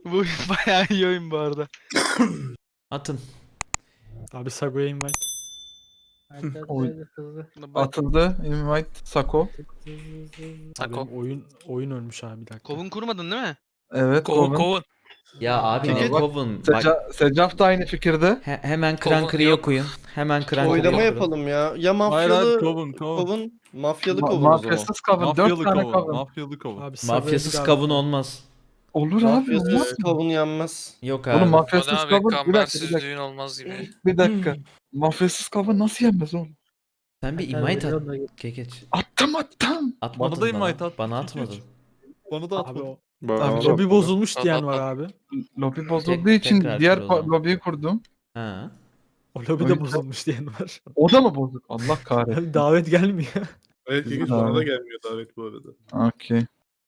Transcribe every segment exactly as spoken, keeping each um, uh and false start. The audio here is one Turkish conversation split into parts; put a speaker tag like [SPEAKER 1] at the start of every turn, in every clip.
[SPEAKER 1] Bu oyun bayağı iyi oyun bu arada.
[SPEAKER 2] Atın.
[SPEAKER 3] Abi Sago'ya invite.
[SPEAKER 4] Hadi hadi
[SPEAKER 5] Oy.
[SPEAKER 4] hadi hızlı.
[SPEAKER 1] Buna bak.
[SPEAKER 5] Atıldı. Invite. Sako.
[SPEAKER 4] Tık, hızlı, hızlı, hızlı.
[SPEAKER 3] Abi
[SPEAKER 6] Sako.
[SPEAKER 3] benim oyun oyun ölmüş abi bir dakika.
[SPEAKER 1] Kovun kurmadın değil mi?
[SPEAKER 5] Evet.
[SPEAKER 6] Kovun
[SPEAKER 5] Kovun.
[SPEAKER 6] kovun.
[SPEAKER 2] Ya abi ne
[SPEAKER 5] Aa, bak,
[SPEAKER 2] kovun. Bak,
[SPEAKER 5] Seca Secaf da aynı fikirde.
[SPEAKER 2] he- hemen
[SPEAKER 6] Kovun
[SPEAKER 2] Krankırı'yı
[SPEAKER 6] yok.
[SPEAKER 2] okuyun. Hemen Krankırı'yı
[SPEAKER 7] Oylama
[SPEAKER 2] okuyun.
[SPEAKER 7] yapalım ya. Ya
[SPEAKER 8] Hayır
[SPEAKER 7] mafyalı
[SPEAKER 8] hayır kovun kovun.
[SPEAKER 7] kovun, mafyalı
[SPEAKER 5] Ma-
[SPEAKER 7] kovun o zaman.
[SPEAKER 5] mafyasız kavun. Dört
[SPEAKER 8] Mafyalı
[SPEAKER 5] tane
[SPEAKER 8] kovun.
[SPEAKER 5] kavun.
[SPEAKER 8] Mafyalı kovun.
[SPEAKER 3] Abi Sago'ya
[SPEAKER 2] Mafyasız
[SPEAKER 3] bir daha-
[SPEAKER 2] kavun olmaz.
[SPEAKER 5] Olur abi. Olmaz
[SPEAKER 7] Mafyasız
[SPEAKER 5] mı?
[SPEAKER 7] kavun yenmez.
[SPEAKER 2] Yok
[SPEAKER 5] Oğlum
[SPEAKER 2] abi.
[SPEAKER 5] mafyasız
[SPEAKER 6] Hadi abi
[SPEAKER 5] kavun. Bir dakika, bir
[SPEAKER 6] kambersiz
[SPEAKER 5] dakika.
[SPEAKER 6] düğün olmaz gibi.
[SPEAKER 5] Bir dakika. Mafyasız kavun nasıl yenmez oğlum?
[SPEAKER 2] Sen bir
[SPEAKER 4] Hadi,
[SPEAKER 2] invite
[SPEAKER 4] hadi,
[SPEAKER 2] at.
[SPEAKER 4] hadi.
[SPEAKER 2] Kekeç.
[SPEAKER 5] Attım attım.
[SPEAKER 2] Atmadın
[SPEAKER 8] Bana da
[SPEAKER 2] bana.
[SPEAKER 8] invite at.
[SPEAKER 2] Bana
[SPEAKER 8] Kekeç.
[SPEAKER 2] atmadın.
[SPEAKER 8] Bana da
[SPEAKER 3] Abi
[SPEAKER 8] atma.
[SPEAKER 3] o
[SPEAKER 5] Abi,
[SPEAKER 3] lobi bozulmuş
[SPEAKER 6] At,
[SPEAKER 3] diyen
[SPEAKER 6] at,
[SPEAKER 3] var
[SPEAKER 6] at.
[SPEAKER 3] abi.
[SPEAKER 5] Lobi bozulduğu
[SPEAKER 2] Tek-
[SPEAKER 5] için
[SPEAKER 2] tekrar
[SPEAKER 5] diğer
[SPEAKER 2] kur o
[SPEAKER 5] pa-
[SPEAKER 2] zaman.
[SPEAKER 5] lobiyi kurdum.
[SPEAKER 2] Ha.
[SPEAKER 3] O lobi
[SPEAKER 5] Oyun-
[SPEAKER 3] de bozulmuş diyen var.
[SPEAKER 5] O da mı bozuk? Allah kahretsin.
[SPEAKER 3] Abi davet gelmiyor.
[SPEAKER 9] Evet
[SPEAKER 5] Güzel
[SPEAKER 9] Kekeç bana da
[SPEAKER 5] abi.
[SPEAKER 9] gelmiyor davet bu arada.
[SPEAKER 5] Okey.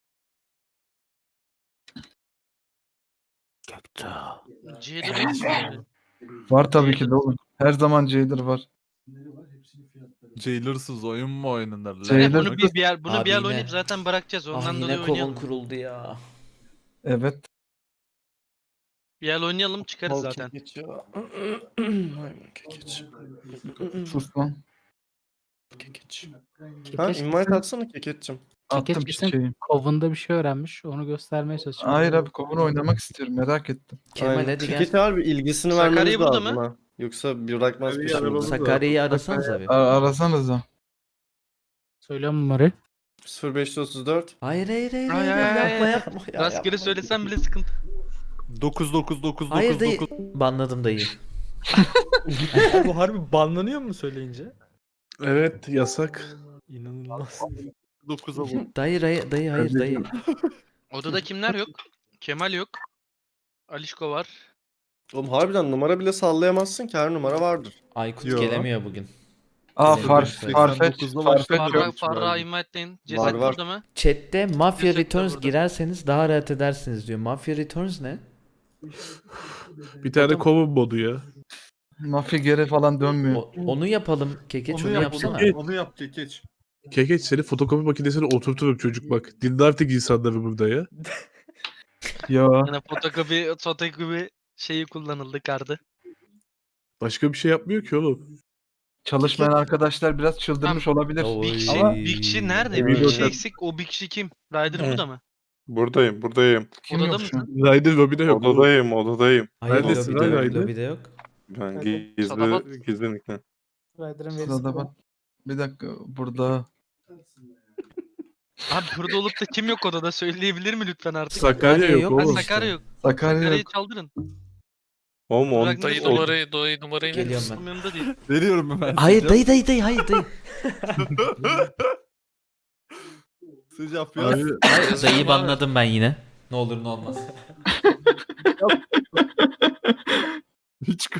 [SPEAKER 1] Jailer yok mu?
[SPEAKER 5] Var tabii ki de oğlum. Her zaman Jailer var.
[SPEAKER 8] Jailersız oyun mu oynanır lan?
[SPEAKER 5] Jailer-
[SPEAKER 1] Yani bunu bir, bir yer, bunu
[SPEAKER 2] Abi
[SPEAKER 1] bir yer
[SPEAKER 2] yine-
[SPEAKER 1] oynayıp zaten bırakacağız.
[SPEAKER 2] Ah
[SPEAKER 1] Ondan dolayı
[SPEAKER 2] yine kovun
[SPEAKER 1] oynayalım.
[SPEAKER 2] kuruldu ya.
[SPEAKER 5] Evet.
[SPEAKER 1] Bir yer oynayalım çıkarız
[SPEAKER 7] Al
[SPEAKER 1] zaten.
[SPEAKER 7] Kekeç ya. Vay be Kekeç.
[SPEAKER 5] Sus lan.
[SPEAKER 7] Kekeç. Ha
[SPEAKER 4] Kekeç
[SPEAKER 7] invite
[SPEAKER 4] kesin-
[SPEAKER 7] atsana Kekeç'cim.
[SPEAKER 4] Kekeç
[SPEAKER 5] Attım
[SPEAKER 4] kesin
[SPEAKER 5] çiçeği.
[SPEAKER 4] Kovunda bir şey öğrenmiş. Onu göstermeye çalışıyor.
[SPEAKER 5] Hayır abi kovun oynamak istiyorum. Merak ettim.
[SPEAKER 2] Kemal
[SPEAKER 7] Aynen.
[SPEAKER 2] hadi gel.
[SPEAKER 7] Kekeç'e harbi ilgisini
[SPEAKER 1] Sakarya
[SPEAKER 7] vermemiz
[SPEAKER 1] burada
[SPEAKER 7] lazım
[SPEAKER 1] mı?
[SPEAKER 7] ha. Yoksa bir bırakmaz
[SPEAKER 9] Tabii,
[SPEAKER 7] peşimizi.
[SPEAKER 9] arabamız var.
[SPEAKER 2] Sakarya'yı arasanız abi.
[SPEAKER 5] Ar arasanıza.
[SPEAKER 4] Söylüyorum numarayı.
[SPEAKER 7] sıfır beş otuz dört.
[SPEAKER 2] Hayır hayır hayır.
[SPEAKER 1] Ay,
[SPEAKER 2] hayır,
[SPEAKER 1] ay, ay,
[SPEAKER 2] yapma
[SPEAKER 1] ay.
[SPEAKER 2] yapma. ya,
[SPEAKER 1] Rastgele
[SPEAKER 2] yapma.
[SPEAKER 1] söylesem bile sıkıntı.
[SPEAKER 8] dokuz dokuz dokuz
[SPEAKER 2] Hayır
[SPEAKER 8] dokuz
[SPEAKER 2] dayı.
[SPEAKER 8] dokuz.
[SPEAKER 2] Banladım dayı.
[SPEAKER 3] Bu harbi banlanıyor mu söyleyince?
[SPEAKER 9] Evet yasak.
[SPEAKER 3] İnanılmaz.
[SPEAKER 8] dokuza vur.
[SPEAKER 2] Dayı dayı dayı hayır dayı.
[SPEAKER 1] Odada kimler yok? Kemal yok. Alişko var.
[SPEAKER 7] Oğlum harbiden numara bile sallayamazsın ki her numara vardır.
[SPEAKER 2] Aykut
[SPEAKER 8] Yo.
[SPEAKER 2] gelemiyor bugün.
[SPEAKER 5] Aa
[SPEAKER 2] Sekiz
[SPEAKER 5] far,
[SPEAKER 2] seksen
[SPEAKER 5] Farfetch.
[SPEAKER 8] dokuzda
[SPEAKER 5] Farfetch
[SPEAKER 8] başladı.
[SPEAKER 1] Farra,
[SPEAKER 5] yok.
[SPEAKER 1] Farra invite'leyin. Ceset
[SPEAKER 7] Var, var.
[SPEAKER 1] burada mı?
[SPEAKER 2] Chat'te Mafia
[SPEAKER 1] Ceset de
[SPEAKER 2] Returns
[SPEAKER 1] burada.
[SPEAKER 2] girerseniz daha rahat edersiniz diyor. Mafia Returns ne?
[SPEAKER 9] Bir tane kovun modu ya.
[SPEAKER 5] Mafya geri falan dönmüyor.
[SPEAKER 2] O- onu yapalım. Kekeç onu,
[SPEAKER 8] yap,
[SPEAKER 2] yapsana.
[SPEAKER 8] Onu, onu yap Kekeç.
[SPEAKER 9] Kekeç seni fotokopi makinesine oturturum çocuk bak. Dinle artık insanları burada ya.
[SPEAKER 5] Ya.
[SPEAKER 1] Yani fotokopi, fotokopi şeyi kullanıldı kardı.
[SPEAKER 9] Başka bir şey yapmıyor ki oğlum.
[SPEAKER 5] Çalışmayan arkadaşlar biraz çıldırmış olabilir.
[SPEAKER 2] Oy.
[SPEAKER 1] Bir kişi,
[SPEAKER 5] Ama-
[SPEAKER 1] bir kişi nerede?
[SPEAKER 7] Evet.
[SPEAKER 1] Bir kişi eksik. O bir kişi kim? Ryder burada mı?
[SPEAKER 9] Buradayım buradayım.
[SPEAKER 5] Kim
[SPEAKER 1] Odada
[SPEAKER 5] yok şu an?
[SPEAKER 1] mısın?
[SPEAKER 9] Ryder lobide yok.
[SPEAKER 7] Odadayım odadayım.
[SPEAKER 2] Hayır
[SPEAKER 9] Neredesin
[SPEAKER 2] lobide
[SPEAKER 9] lan
[SPEAKER 2] yok.
[SPEAKER 9] Haydi?
[SPEAKER 2] Lobide yok.
[SPEAKER 9] Ben
[SPEAKER 4] Hadi.
[SPEAKER 1] Sadabat.
[SPEAKER 9] gizli gizli nickle.
[SPEAKER 4] Rider'ın
[SPEAKER 5] Sırada
[SPEAKER 4] verisi
[SPEAKER 5] bak. Bir dakika burada.
[SPEAKER 1] Abi burada olup da kim yok odada söyleyebilir mi lütfen artık?
[SPEAKER 9] Sakarya
[SPEAKER 2] Sakarya
[SPEAKER 9] yok
[SPEAKER 2] yok.
[SPEAKER 1] Ha,
[SPEAKER 9] oğlum.
[SPEAKER 1] Sakarya yok.
[SPEAKER 5] Sakarya
[SPEAKER 1] Sakarya'yı
[SPEAKER 5] yok.
[SPEAKER 1] çaldırın.
[SPEAKER 9] Oğlum on,
[SPEAKER 1] Bırak-
[SPEAKER 6] Dayı
[SPEAKER 1] Oğlum.
[SPEAKER 6] numarayı, dayı numarayı verir
[SPEAKER 2] Geliyorum
[SPEAKER 6] misin?
[SPEAKER 2] ben.
[SPEAKER 1] Yanında değil.
[SPEAKER 8] Veriyorum hemen.
[SPEAKER 2] Hayır dayı dayı dayı hayır dayı.
[SPEAKER 8] Sıcak ya.
[SPEAKER 9] Abi,
[SPEAKER 2] Hayır dayıyı banladım ben yine. Ne olur ne olmaz.
[SPEAKER 8] Hiç.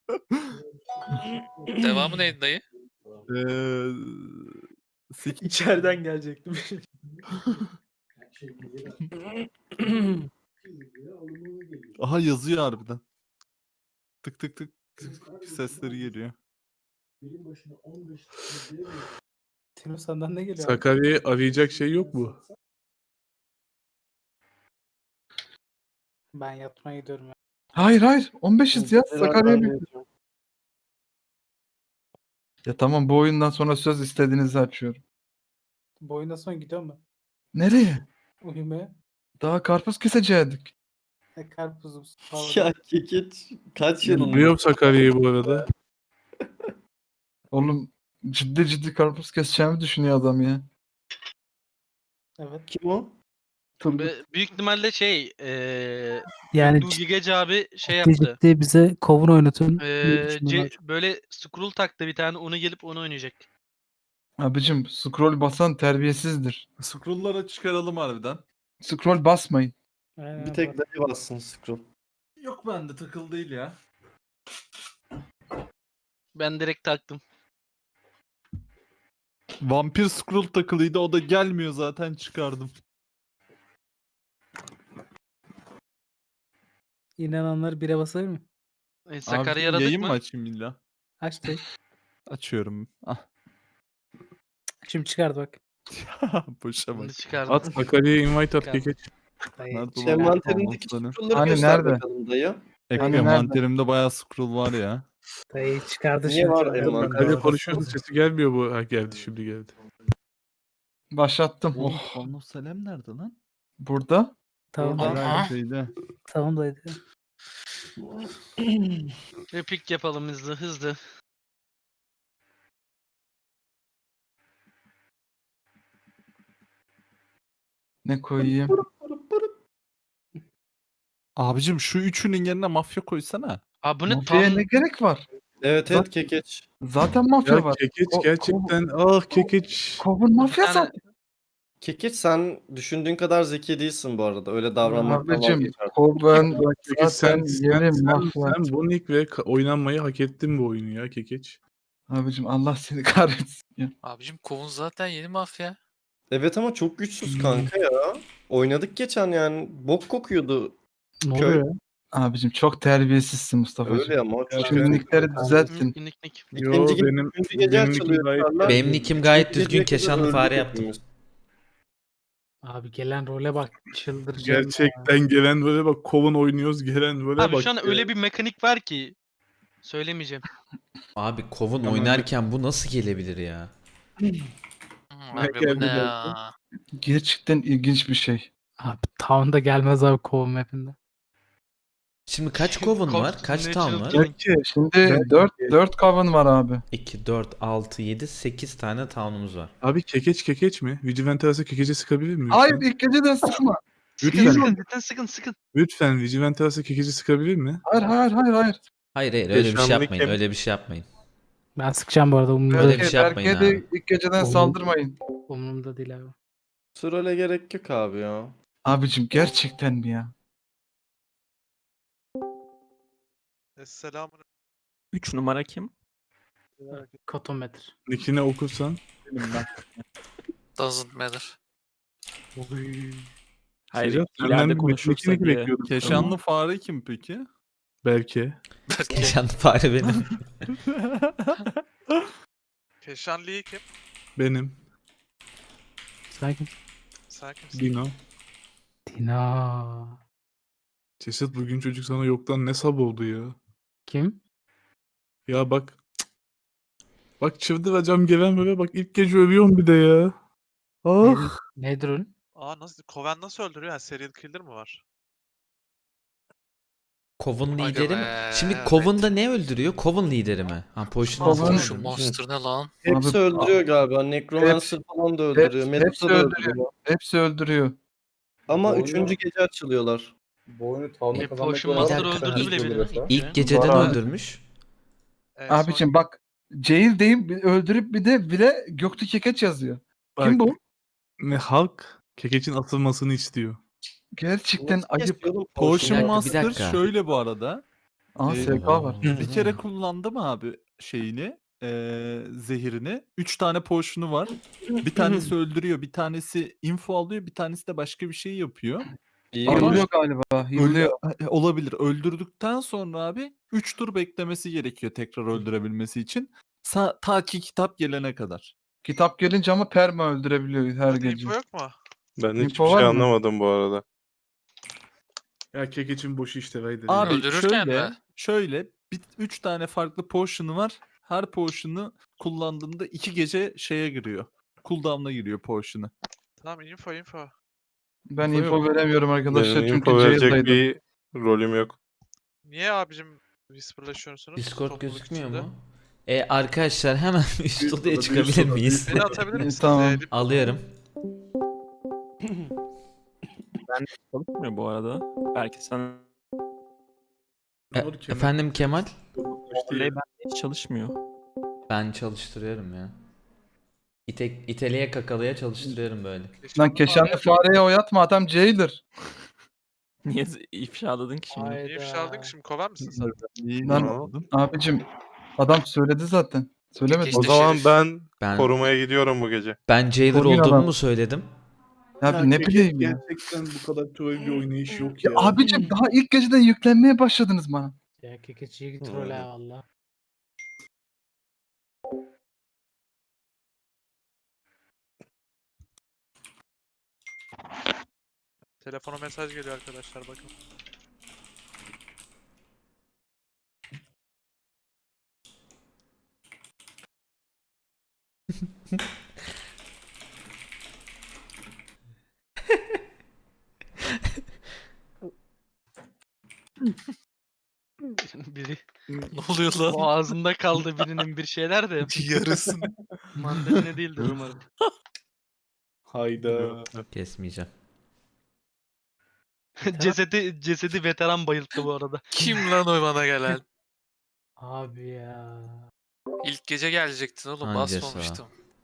[SPEAKER 6] Devamı neydi dayı?
[SPEAKER 8] Eee... Sik.
[SPEAKER 3] İçeriden gelecektim.
[SPEAKER 8] Aha yazıyor harbiden. Tık tık tık tık sesleri geliyor.
[SPEAKER 4] Tino senden ne geliyor? abi?
[SPEAKER 9] Sakarya'yı arayacak şey yok mu?
[SPEAKER 4] Ben yatmaya gidiyorum ya.
[SPEAKER 5] Hayır hayır. on beşiz ya. Sakarya'ya bir... Ya tamam bu oyundan sonra söz istediğinizi açıyorum.
[SPEAKER 4] Bu oyundan sonra gidiyorum ben.
[SPEAKER 5] Nereye?
[SPEAKER 4] Uyumaya.
[SPEAKER 5] Daha karpuz kesecektik.
[SPEAKER 4] E, karpuzum. Pardon.
[SPEAKER 7] Ya Kekeç kaç yılında?
[SPEAKER 9] Biliyorum Sakarya'yı bu arada.
[SPEAKER 5] Oğlum ciddi ciddi karpuz keseceğimi düşünüyor adam ya.
[SPEAKER 4] Evet.
[SPEAKER 7] Kim o?
[SPEAKER 5] Turgut.
[SPEAKER 1] Be- Büyük ihtimalle şey eee
[SPEAKER 4] Yani
[SPEAKER 1] Nugi Gece abi şey
[SPEAKER 4] ciddi
[SPEAKER 1] yaptı.
[SPEAKER 4] ciddi bize kovun oynatın.
[SPEAKER 1] Eee ce- böyle scroll taktı bir tane onu gelip onu oynayacak.
[SPEAKER 5] Abicim scroll basan terbiyesizdir.
[SPEAKER 8] Scroll'lara çıkaralım harbiden.
[SPEAKER 5] Scroll basmayın.
[SPEAKER 7] Bir tek dayı bassın scroll.
[SPEAKER 8] Yok bende takıl değil ya.
[SPEAKER 1] Ben direkt taktım.
[SPEAKER 8] Vampir scroll takılıydı o da gelmiyor zaten çıkardım.
[SPEAKER 4] İnananlar bire basar mı?
[SPEAKER 1] E, Sakarya
[SPEAKER 8] Abi,
[SPEAKER 1] aradık
[SPEAKER 8] yayın
[SPEAKER 1] mı?
[SPEAKER 8] mı açayım illa?
[SPEAKER 4] Açtı.
[SPEAKER 8] Açıyorum. Ah.
[SPEAKER 4] Şimdi çıkardı bak.
[SPEAKER 8] Boşa bak.
[SPEAKER 1] Bunu çıkardım.
[SPEAKER 9] At Sakarya'ya invite at
[SPEAKER 1] Çıkardım.
[SPEAKER 9] Kekeç.
[SPEAKER 4] Dayı
[SPEAKER 8] Nerede
[SPEAKER 4] çıkar.
[SPEAKER 8] ulan bu
[SPEAKER 7] Envanterindeki
[SPEAKER 8] thanosları?
[SPEAKER 7] scroll'ları
[SPEAKER 5] Hani
[SPEAKER 7] göster
[SPEAKER 5] nerede?
[SPEAKER 7] bakalım dayı.
[SPEAKER 8] Ek
[SPEAKER 5] Hani
[SPEAKER 8] envanterimde bayağı scroll var ya.
[SPEAKER 4] Dayı çıkardı
[SPEAKER 7] Niye
[SPEAKER 4] şimdi.
[SPEAKER 7] var
[SPEAKER 4] Dayı.
[SPEAKER 7] envanter?
[SPEAKER 9] Öyle konuşuyorsun sesi gelmiyor bu. Ha geldi şimdi geldi.
[SPEAKER 5] Başlattım.
[SPEAKER 8] Oğlum
[SPEAKER 5] Oh.
[SPEAKER 8] Thanos Selam nerede lan?
[SPEAKER 5] Burada.
[SPEAKER 4] Tamam
[SPEAKER 6] Aha.
[SPEAKER 4] dayı.
[SPEAKER 8] Herhalde şeyde.
[SPEAKER 4] Tamam dayı.
[SPEAKER 1] Bir pik yapalım hızlı hızlı.
[SPEAKER 5] Ne koyayım?
[SPEAKER 8] Abicim şu üçünün yerine mafya koysana.
[SPEAKER 1] Abi bu ne
[SPEAKER 5] Mafyaya
[SPEAKER 1] tam
[SPEAKER 5] ne gerek var?
[SPEAKER 7] Evet evet kekeç.
[SPEAKER 5] Zaten mafya
[SPEAKER 9] Ya
[SPEAKER 5] var.
[SPEAKER 9] kekeç
[SPEAKER 5] Ko-
[SPEAKER 9] gerçekten ah kekeç.
[SPEAKER 5] Kovun mafya
[SPEAKER 1] Bir tane-
[SPEAKER 5] zaten.
[SPEAKER 7] Kekeç sen düşündüğün kadar zeki değilsin bu arada. Öyle davranmaktan
[SPEAKER 5] Abicim
[SPEAKER 7] vazgeç artık.
[SPEAKER 5] Koven
[SPEAKER 9] Kekeç
[SPEAKER 5] zaten
[SPEAKER 9] sen,
[SPEAKER 5] yeni
[SPEAKER 9] sen,
[SPEAKER 5] mafya.
[SPEAKER 9] sen, sen bu nick ve ka- oynanmayı hak ettin bu oyunu ya kekeç.
[SPEAKER 5] Abicim Allah seni kahretsin ya.
[SPEAKER 6] Abicim kovun zaten yeni mafya.
[SPEAKER 7] Evet ama çok güçsüz kanka ya. Oynadık geçen yani. Bok kokuyordu.
[SPEAKER 4] Ne
[SPEAKER 7] Köy.
[SPEAKER 4] oluyor?
[SPEAKER 5] Abicim çok terbiyesizsin Mustafa'cığım.
[SPEAKER 7] Öyle ama. Çok
[SPEAKER 5] Şu nickleri düzeltin.
[SPEAKER 1] Nick, nick, nick.
[SPEAKER 9] Yo
[SPEAKER 7] İkinci gün,
[SPEAKER 9] benim
[SPEAKER 7] üçüncü gece
[SPEAKER 9] benim
[SPEAKER 7] açılıyor.
[SPEAKER 9] nickim gayet
[SPEAKER 7] çarlar.
[SPEAKER 2] Benim nickim gayet
[SPEAKER 7] Üçüncü
[SPEAKER 2] düzgün,
[SPEAKER 7] geceye kadar
[SPEAKER 2] keşanlı
[SPEAKER 7] öldük
[SPEAKER 2] fare yaptım.
[SPEAKER 7] hepimiz.
[SPEAKER 4] Abi gelen role bak çıldıracağım. ya.
[SPEAKER 9] gerçekten gelen böyle bak Kovun oynuyoruz gelen böyle
[SPEAKER 1] Abi
[SPEAKER 9] bak.
[SPEAKER 1] şu an
[SPEAKER 9] ya.
[SPEAKER 1] öyle bir mekanik var ki söylemeyeceğim.
[SPEAKER 2] Abi Kovun
[SPEAKER 9] Tamam,
[SPEAKER 2] oynarken bu nasıl gelebilir ya?
[SPEAKER 6] Hmm,
[SPEAKER 9] Ne
[SPEAKER 6] abi bu
[SPEAKER 9] geldi
[SPEAKER 6] ne
[SPEAKER 9] geldi?
[SPEAKER 6] ya?
[SPEAKER 5] Gerçekten ilginç bir şey.
[SPEAKER 4] Abi Town'da gelmez abi kovun mapinde.
[SPEAKER 2] Şimdi kaç Kovun var? Kaç
[SPEAKER 1] Natural
[SPEAKER 2] town var?
[SPEAKER 1] killing.
[SPEAKER 5] Peki şimdi dört dört Coven var abi.
[SPEAKER 2] iki, dört, altı, yedi, sekiz tane town'umuz var.
[SPEAKER 9] Abi kekeç kekeç mi? Vigilante arası kekece sıkabilir miyim?
[SPEAKER 5] Hayır ilk geceden sıkma.
[SPEAKER 1] Sıkın
[SPEAKER 9] Lütfen,
[SPEAKER 1] sıkın cidden sıkın sıkın.
[SPEAKER 9] lütfen Vigilante arası kekece sıkabilir mi?
[SPEAKER 5] Hayır hayır hayır hayır.
[SPEAKER 2] Hayır hayır öyle bir şey
[SPEAKER 8] Yaşamlı
[SPEAKER 2] yapmayın.
[SPEAKER 8] kim?
[SPEAKER 2] Öyle bir şey yapmayın.
[SPEAKER 4] Ben sıkacağım bu arada umurumda,
[SPEAKER 2] Öyle bir
[SPEAKER 5] Berke,
[SPEAKER 2] şey yapmayın
[SPEAKER 5] Berke'ye de
[SPEAKER 2] abi.
[SPEAKER 5] ilk geceden
[SPEAKER 4] Oğlum.
[SPEAKER 5] saldırmayın.
[SPEAKER 4] umurumda değil abi.
[SPEAKER 7] Sırale gerek yok abi ya.
[SPEAKER 5] Abicim gerçekten mi ya?
[SPEAKER 10] Esselamun
[SPEAKER 11] üç numara kim?
[SPEAKER 4] Kotometre.
[SPEAKER 9] Nickini okursan.
[SPEAKER 6] Doesn't matter.
[SPEAKER 11] Hayır,
[SPEAKER 9] Sedat,
[SPEAKER 11] ileride
[SPEAKER 9] senden bir
[SPEAKER 11] konuşursa
[SPEAKER 9] nickini
[SPEAKER 11] diye.
[SPEAKER 9] bekliyordum.
[SPEAKER 8] Keşanlı fare kim peki?
[SPEAKER 9] Belki.
[SPEAKER 2] Keşanlı fare benim.
[SPEAKER 10] Keşanlı'yı kim?
[SPEAKER 9] Benim.
[SPEAKER 4] Sakin.
[SPEAKER 10] Sen kimsin?
[SPEAKER 9] Dino.
[SPEAKER 4] Tina.
[SPEAKER 9] Ceset bugün çocuk sana yoktan ne sab oldu ya.
[SPEAKER 4] Kim?
[SPEAKER 9] Ya bak. Bak çıldıracağım gelen böyle bak ilk gece övüyorum bir de ya. Ah.
[SPEAKER 4] Nedir o?
[SPEAKER 10] Aa nasıl? Koven nasıl öldürüyor? Yani serial killer mi var?
[SPEAKER 2] Kovun
[SPEAKER 6] Aga
[SPEAKER 2] lideri mi?
[SPEAKER 6] be,
[SPEAKER 2] Şimdi
[SPEAKER 6] evet.
[SPEAKER 2] Kovun'da ne öldürüyor? Kovun lideri mi? Ha Potion
[SPEAKER 5] Kovun-
[SPEAKER 2] Master'ı
[SPEAKER 6] Şu
[SPEAKER 2] öldürmüş.
[SPEAKER 6] monster ne lan?
[SPEAKER 7] Hepsi
[SPEAKER 5] Abi-
[SPEAKER 7] öldürüyor galiba. Necromancer falan da öldürüyor.
[SPEAKER 5] hepsi
[SPEAKER 7] Medusa da
[SPEAKER 5] öldürüyor.
[SPEAKER 7] öldürüyor.
[SPEAKER 5] Hepsi öldürüyor.
[SPEAKER 7] Ama
[SPEAKER 12] Doğru.
[SPEAKER 7] üçüncü gece açılıyorlar.
[SPEAKER 12] Bu oyunu tavla
[SPEAKER 1] E,
[SPEAKER 12] kazanmak
[SPEAKER 1] Potion
[SPEAKER 12] lazım.
[SPEAKER 1] Master
[SPEAKER 2] Bir dakika.
[SPEAKER 1] öldürdü bile birini.
[SPEAKER 2] İlk geceden
[SPEAKER 5] Var.
[SPEAKER 2] öldürmüş.
[SPEAKER 10] En son-
[SPEAKER 5] Abicim bak Jail deyip bir öldürüp bir de bile Göktü Kekeç yazıyor.
[SPEAKER 9] Bak,
[SPEAKER 5] Kim bu?
[SPEAKER 9] Ne halk kekeçin atılmasını istiyor.
[SPEAKER 5] Gerçekten
[SPEAKER 7] Nasıl
[SPEAKER 5] ayıp.
[SPEAKER 7] kesiyor oğlum
[SPEAKER 2] Bir
[SPEAKER 8] Potion
[SPEAKER 2] dakika, bir
[SPEAKER 8] Master
[SPEAKER 2] dakika.
[SPEAKER 8] şöyle bu arada.
[SPEAKER 5] Aa
[SPEAKER 8] Ee,
[SPEAKER 5] S K var.
[SPEAKER 8] Bir kere kullandım abi şeyini, eee, zehirini. Üç tane potion'u var. Bir tanesi öldürüyor, bir tanesi info alıyor, bir tanesi de başka bir şey yapıyor.
[SPEAKER 7] İyi
[SPEAKER 8] Ama-
[SPEAKER 7] mi?
[SPEAKER 5] Yılıyor galiba.
[SPEAKER 8] Öldü-
[SPEAKER 5] Yılıyor.
[SPEAKER 8] e, olabilir. Öldürdükten sonra abi üç tur beklemesi gerekiyor tekrar öldürebilmesi için. Sa- ta ki kitap gelene kadar.
[SPEAKER 5] Kitap gelince ama perma öldürebiliyor her
[SPEAKER 10] Hadi
[SPEAKER 5] gece.
[SPEAKER 10] info yok mu?
[SPEAKER 8] Ben
[SPEAKER 5] Info var mı?
[SPEAKER 8] anlamadım bu arada.
[SPEAKER 9] Ya kekeçin boşu işte Vayder.
[SPEAKER 8] Abi
[SPEAKER 6] Öldürürken
[SPEAKER 8] şöyle,
[SPEAKER 6] mi?
[SPEAKER 8] şöyle bir üç tane farklı potion'u var. Her potion'u kullandığında iki gece şeye giriyor. Cooldown'a giriyor potion'u.
[SPEAKER 10] Tamam info info.
[SPEAKER 5] Ben
[SPEAKER 9] Info
[SPEAKER 5] info
[SPEAKER 9] yok.
[SPEAKER 5] veremiyorum arkadaşlar çünkü Jail'daydım.
[SPEAKER 8] bir rolüm yok.
[SPEAKER 10] Niye abicim whisperlaşıyorsunuz?
[SPEAKER 2] Discord
[SPEAKER 10] topluluk
[SPEAKER 2] gözükmüyor
[SPEAKER 10] içinde?
[SPEAKER 2] mu? E arkadaşlar hemen üst
[SPEAKER 9] Üst
[SPEAKER 2] odaya
[SPEAKER 9] oda,
[SPEAKER 2] çıkabilir
[SPEAKER 9] üst oda,
[SPEAKER 2] miyiz?
[SPEAKER 10] Beni atabilir misiniz?
[SPEAKER 5] Tamam.
[SPEAKER 10] Ee,
[SPEAKER 2] Alıyorum.
[SPEAKER 11] Çalışmıyor bu arada. Belki sen
[SPEAKER 2] E, efendim Kemal?
[SPEAKER 11] Oley bende hiç çalışmıyor.
[SPEAKER 2] Ben çalıştırıyorum ya. İte, iteleye kakalıya çalıştırıyorum böyle.
[SPEAKER 5] Lan Keşanlı fareye oyatma adam Jailer.
[SPEAKER 11] Niye ifşaladın ki şimdi?
[SPEAKER 10] Niye ifşaladın ki şimdi kovar mısın sen?
[SPEAKER 8] İyi,
[SPEAKER 5] Lan-
[SPEAKER 8] anladım.
[SPEAKER 5] Abicim adam söyledi zaten. Söylemedi.
[SPEAKER 6] İşte şerif.
[SPEAKER 8] ben
[SPEAKER 2] Ben
[SPEAKER 8] korumaya gidiyorum bu gece.
[SPEAKER 2] ben jailer
[SPEAKER 5] Koruyun
[SPEAKER 2] olduğumu
[SPEAKER 5] adam.
[SPEAKER 2] mu söyledim?
[SPEAKER 5] Abi ne bileyim ya.
[SPEAKER 9] Gerçekten bu kadar troll bir oynayış yok
[SPEAKER 5] Ya
[SPEAKER 9] ya.
[SPEAKER 5] abicim daha ilk geceden yüklenmeye başladınız bana.
[SPEAKER 4] Ya kekeçiye git role ha valla.
[SPEAKER 10] Telefona mesaj geliyor arkadaşlar bakın.
[SPEAKER 1] Biri
[SPEAKER 6] Ne oluyor lan?
[SPEAKER 1] boğazında kaldı birinin bir şeyler de
[SPEAKER 6] Yarısın.
[SPEAKER 1] mandalina değildir umarım.
[SPEAKER 9] Hayda.
[SPEAKER 2] Kesmeyeceğim.
[SPEAKER 1] cesedi cesedi veteran bayılttı bu arada.
[SPEAKER 6] Kim lan o bana gelen?
[SPEAKER 4] Abi ya.
[SPEAKER 6] İlk gece gelecektin oğlum.
[SPEAKER 2] Ancası
[SPEAKER 6] Basmamıştım.